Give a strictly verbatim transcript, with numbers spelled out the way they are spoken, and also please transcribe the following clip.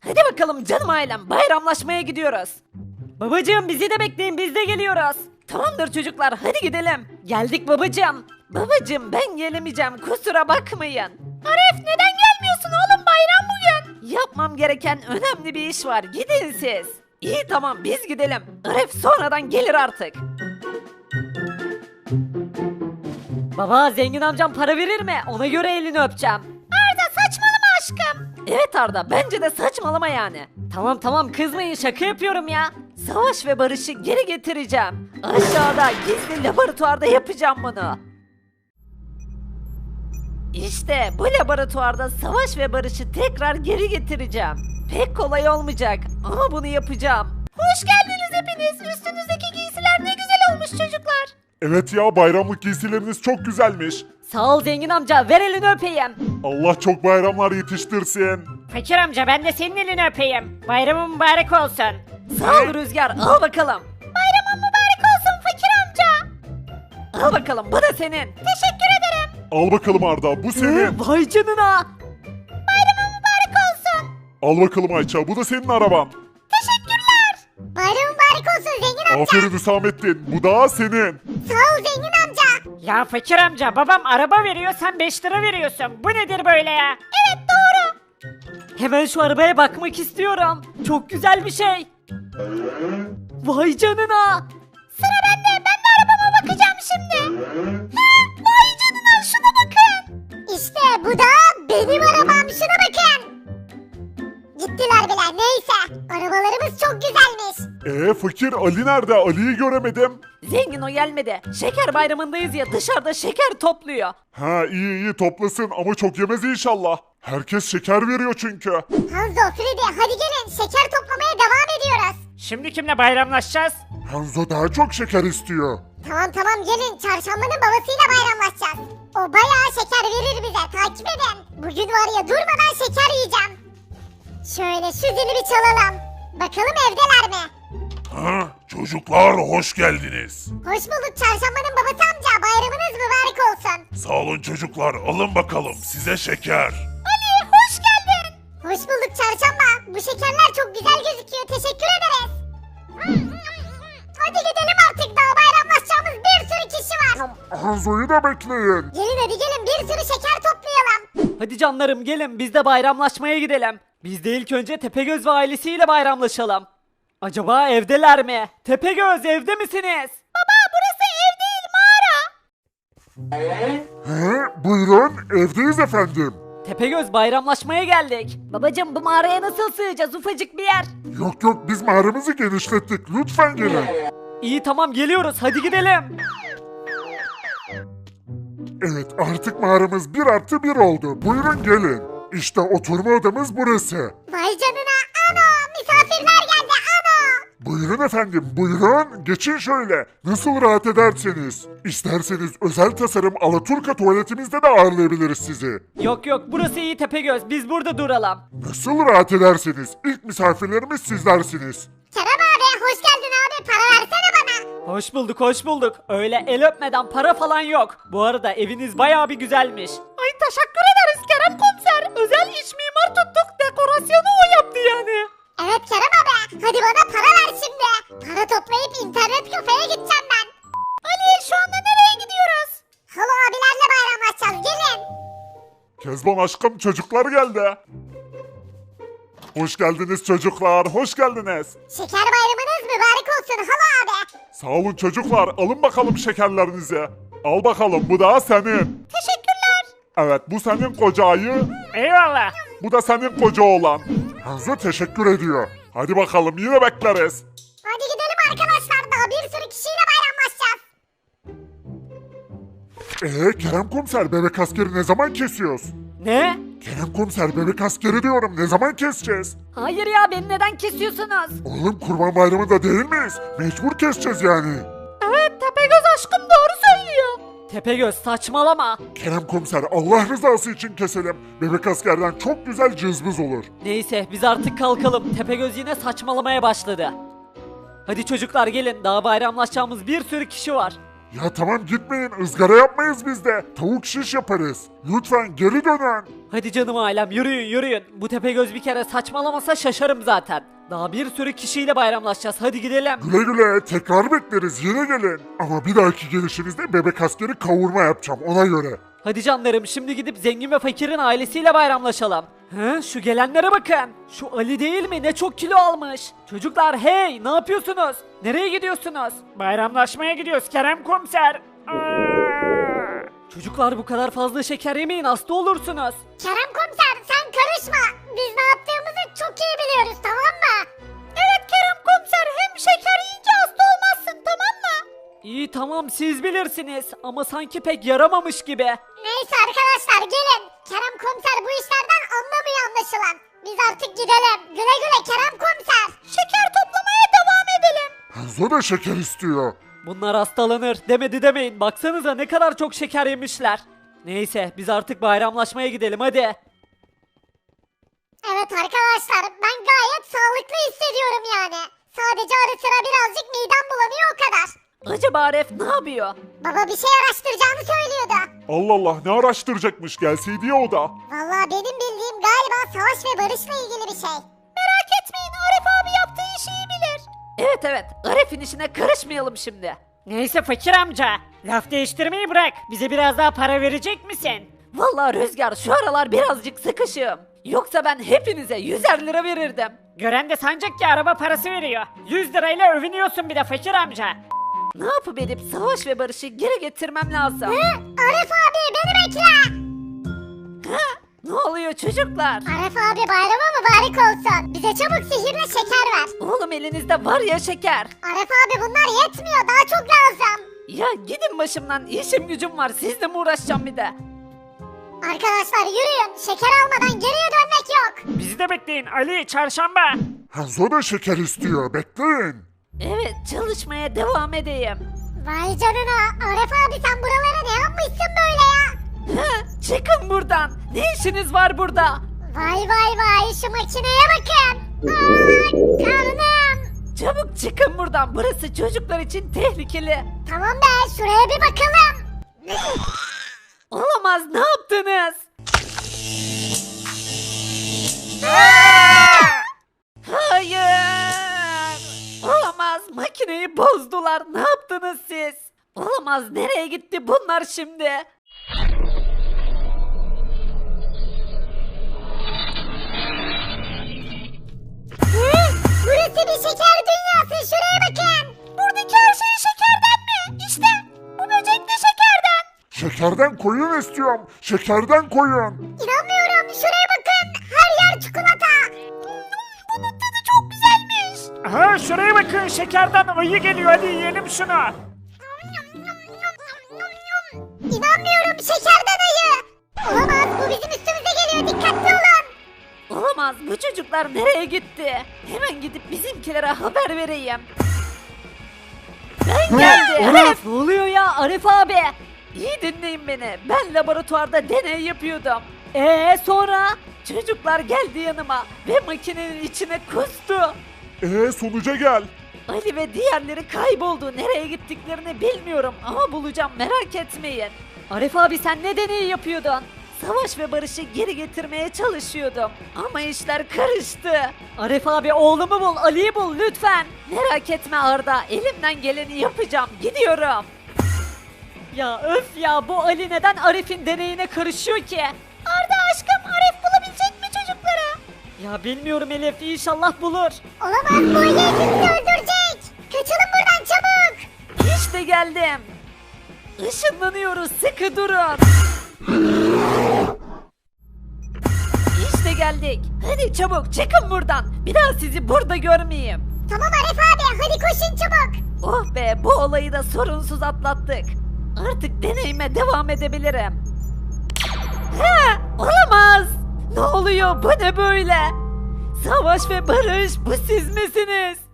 Hadi bakalım canım ailem, bayramlaşmaya gidiyoruz. Babacığım bizi de bekleyin, biz de geliyoruz. Tamamdır çocuklar, hadi gidelim. Geldik babacığım. Babacığım ben gelemeyeceğim, kusura bakmayın. Arif neden gelmiyorsun oğlum, bayram bugün? Yapmam gereken önemli bir iş var, gidin siz. İyi tamam biz gidelim. Arif sonradan gelir artık. Baba zengin amcam para verir mi? Ona göre elini öpeceğim. Arda saçmalama aşkım. Evet Arda bence de saçmalama yani. Tamam tamam kızmayın, şaka yapıyorum ya. Savaş ve barışı geri getireceğim. Aşağıda gizli laboratuvarda yapacağım bunu. İşte bu laboratuvarda savaş ve barışı tekrar geri getireceğim. Pek kolay olmayacak ama bunu yapacağım. Hoş geldiniz hepiniz. Üstünüzdeki giysiler ne güzel olmuş çocuklar. Evet ya, bayramlık giysileriniz çok güzelmiş. Sağ ol zengin amca, ver elini öpeyim. Allah çok bayramlar yetiştirsin. Fakir amca ben de senin elini öpeyim. Bayramın mübarek olsun. Sağ ol Rüzgar, al bakalım. Bayramın mübarek olsun fakir amca. Al bakalım, bu da senin. Teşekkür ederim. Al bakalım Arda, bu senin. Vay canına. Bayramın mübarek olsun. Al bakalım Ayça, bu da senin araban. Teşekkürler. Bayramın mübarek olsun zengin amca. Aferin Hüsamettin, bu da senin. Sağ ol zengin amca. Ya fakir amca babam araba veriyor sen beş lira veriyorsun. Bu nedir böyle ya? Evet doğru. Hemen şu arabaya bakmak istiyorum. Çok güzel bir şey. Vay canına. Sıra bende. Ben de arabama bakacağım şimdi. Hı, vay canına şuna bakın. İşte bu da benim arabam. Şuna bakın. Gittiler bile. Neyse. Arabalarımız çok güzelmiş. Ee fakir, Ali nerede? Ali'yi göremedim. Zengin o gelmedi. Şeker bayramındayız ya, dışarıda şeker topluyor. Ha iyi iyi toplasın ama çok yemez inşallah. Herkes şeker veriyor çünkü. Hanzo, Freddy hadi gelin. Şeker toplamaya devam ediyoruz. Şimdi kimle bayramlaşacağız? Hanzo daha çok şeker istiyor. Tamam tamam gelin. Çarşambanın babasıyla bayramlaşacağız. O bayağı şeker verir bize. Takip edin. Bugün var ya durmadan şeker yiyeceğim. Şöyle şu zili bir çalalım. Bakalım evdeler mi? Ha, çocuklar hoş geldiniz. Hoş bulduk çarşambanın babası amca. Bayramınız mübarek olsun. Sağ olun çocuklar, alın bakalım size şeker. Ali hoş geldin. Hoş bulduk çarşamba. Bu şekerler çok güzel gözüküyor. Teşekkür ederiz. Hadi gidelim artık, daha bayramlaşacağımız bir sürü kişi var. Hanzo'yu da bekleyin. Gelin hadi gelin, bir sürü şeker toplayalım. Hadi canlarım gelin, biz de bayramlaşmaya gidelim. Biz de ilk önce Tepegöz ve ailesiyle bayramlaşalım. Acaba evdeler mi? Tepegöz evde misiniz? Baba burası ev değil, mağara. He, buyurun evdeyiz efendim. Tepegöz bayramlaşmaya geldik. Babacım bu mağaraya nasıl sığacağız, ufacık bir yer. Yok yok, biz mağaramızı genişlettik, lütfen gelin. İyi tamam geliyoruz, hadi gidelim. Evet, artık mağaramız bir artı bir oldu, buyurun gelin. İşte oturma odamız burası. Vay canına, ano misafirler geldi, ano. Buyurun efendim, buyurun. Geçin şöyle. Nasıl rahat ederseniz. İsterseniz özel tasarım Alaturka tuvaletimizde de ağırlayabiliriz sizi. Yok yok burası iyi Tepegöz, biz burada duralım. Nasıl rahat ederseniz. İlk misafirlerimiz sizlersiniz. Kerem abi hoş geldin abi, para versene bana. Hoş bulduk hoş bulduk. Öyle el öpmeden para falan yok. Bu arada eviniz bayağı bir güzelmiş. Ay teşekkür ederiz Kerem komiser. Özel iç mimar tuttuk, dekorasyonu o yaptı yani. Evet Kerem abi, hadi bana para ver şimdi. Para toplayıp internet kafeye gideceğim ben. Ali şu anda nereye gidiyoruz? Halo abilerle bayramlaşacağız, gelin. Kezban aşkım, çocuklar geldi. Hoş geldiniz çocuklar, hoş geldiniz. Şeker bayramınız mübarek olsun halo abi. Sağ olun çocuklar, alın bakalım şekerlerinizi. Al bakalım, bu da senin. Teşekkürler. Evet, bu senin koca ayı, Eyvallah. bu da senin koca oğlan. Hanzo teşekkür ediyor. Hadi bakalım, yine bekleriz. Hadi gidelim arkadaşlar, daha bir sürü kişiyle bayramlaşacağız. Ee Kerem komiser, bebek askeri ne zaman kesiyoruz? Ne? Kerem komiser, bebek askeri diyorum, ne zaman keseceğiz? Hayır ya, beni neden kesiyorsunuz? Oğlum kurban bayramında değil miyiz? Mecbur keseceğiz yani. Evet Tepegöz aşkım doğru söylüyor. Tepegöz saçmalama. Kerem komiser, Allah rızası için keselim. Bebek askerden çok güzel cızbız olur. Neyse biz artık kalkalım. Tepegöz yine saçmalamaya başladı. Hadi çocuklar gelin, daha bayramlaşacağımız bir sürü kişi var. Ya tamam gitmeyin, ızgara yapmayız biz de. Tavuk şiş yaparız. Lütfen geri dönün. Hadi canım ailem yürüyün yürüyün. Bu Tepegöz bir kere saçmalamasa şaşarım zaten. Daha bir sürü kişiyle bayramlaşacağız. Hadi gidelim. Güle güle, tekrar bekleriz, yine gelin. Ama bir dahaki gelişinizde bebek askeri kavurma yapacağım, ona göre. Hadi canlarım şimdi gidip zengin ve fakirin ailesiyle bayramlaşalım. Hı, şu gelenlere bakın. Şu Ali değil mi? Ne çok kilo almış. Çocuklar hey ne yapıyorsunuz? Nereye gidiyorsunuz? Bayramlaşmaya gidiyoruz Kerem komiser. Aa! Çocuklar bu kadar fazla şeker yemeyin hasta olursunuz. Kerem komiser sen karışma. Biz ne yaptığımızı çok iyi biliyoruz tamam mı? Evet Kerem komiser hem şeker yiyince hasta olmazsın tamam mı? İyi tamam siz bilirsiniz ama sanki pek yaramamış gibi. Neyse arkadaşlar gelin. Kerem komiser bu işlerden anlamıyor anlaşılan. Biz artık gidelim. Güle güle Kerem komiser. Şeker toplamaya devam edelim. Hanzo da şeker istiyor. Bunlar hastalanır demedi demeyin. Baksanıza ne kadar çok şeker yemişler. Neyse biz artık bayramlaşmaya gidelim hadi. Evet arkadaşlar ben gayet sağlıklı hissediyorum yani. Sadece ara sıra birazcık midem bulanıyor o kadar. Acaba Aref ne yapıyor? Baba bir şey araştıracağını söylüyordu. Allah Allah, ne araştıracakmış, gelseydi ya o da. Vallahi benim bildiğim galiba savaş ve barışla ilgili bir şey. Merak etmeyin Arif abi yaptığı işi iyi bilir. Evet evet Aref'in işine karışmayalım şimdi. Neyse fakir amca. Laf değiştirmeyi bırak. Bize biraz daha para verecek misin? Vallahi Rüzgar şu aralar birazcık sıkışığım. Yoksa ben hepinize yüzer lira verirdim. Gören de sancak ki araba parası veriyor. yüz lirayla övünüyorsun bir de fakir amca. Ne yapıp edip savaş ve barışı geri getirmem lazım. Hı? Arif abi beni bekle. Ha? Ne oluyor çocuklar? Arif abi bayramı mübarek olsun. Bize çabuk sihirle şeker ver. Oğlum elinizde var ya şeker. Arif abi bunlar yetmiyor daha çok lazım. Ya gidin başımdan işim gücüm var sizle mi uğraşacağım bir de? Arkadaşlar yürüyün şeker almadan geriye dönmek yok. Bizi de bekleyin Ali çarşamba. Hanzo da şeker istiyor, bekleyin. Evet çalışmaya devam edeyim. Vay canına Arif abi sen buralara ne yapmışsın böyle ya? Ha? Çıkın buradan. Ne işiniz var burada? Vay vay vay şu makineye bakın. Aa, karnım. Çabuk çıkın buradan. Burası çocuklar için tehlikeli. Tamam be şuraya bir bakalım. Olamaz ne yaptınız? Hayır. Olamaz makineyi bozdular. Ne yaptınız siz? Olamaz nereye gitti bunlar şimdi? Hı? Burası bir şeker dünyası şuraya bakın. Buradaki her şey şekerden mi? İşte bu böcek de şekerden. Şekerden koyun istiyorum, şekerden koyun. İnanmıyorum şuraya bakın. Her yer çikolata. Bunun tadı çok güzelmiş. Aha şuraya bakın şekerden ayı geliyor hadi yiyelim şunu. İnanmıyorum şekerden ayı. Olamaz bu bizim üstümüze geliyor dikkatli olun. Olamaz bu çocuklar nereye gitti? Hemen gidip bizimkilere haber vereyim. Ben geldim. Arif ne oluyor ya Arif abi? İyi dinleyin beni. Ben laboratuvarda deney yapıyordum. Ee sonra? Çocuklar geldi yanıma ve makinenin içine kustu. Ee sonuca gel. Ali ve diğerleri kayboldu. Nereye gittiklerini bilmiyorum ama bulacağım merak etmeyin. Arif abi sen ne deneyi yapıyordun? Savaş ve barışı geri getirmeye çalışıyordum. Ama işler karıştı. Arif abi oğlumu bul, Ali'yi bul lütfen. Merak etme Arda, elimden geleni yapacağım. Gidiyorum. Ya öf ya bu Ali neden Arif'in deneyine karışıyor ki? Arda aşkım Arif bulabilecek mi çocukları? Ya bilmiyorum Elif inşallah bulur. Olamaz bu ayı hepimizi öldürecek. Kaçalım buradan çabuk. İşte geldim. Işınlanıyoruz sıkı durun. İşte geldik. Hadi çabuk çıkın buradan. Bir daha sizi burada görmeyeyim. Tamam Arif abi hadi koşun çabuk. Oh be bu olayı da sorunsuz atlattık. Artık deneyime devam edebilirim. Ha, olamaz. Ne oluyor bu ne böyle? Savaş ve barış bu siz misiniz?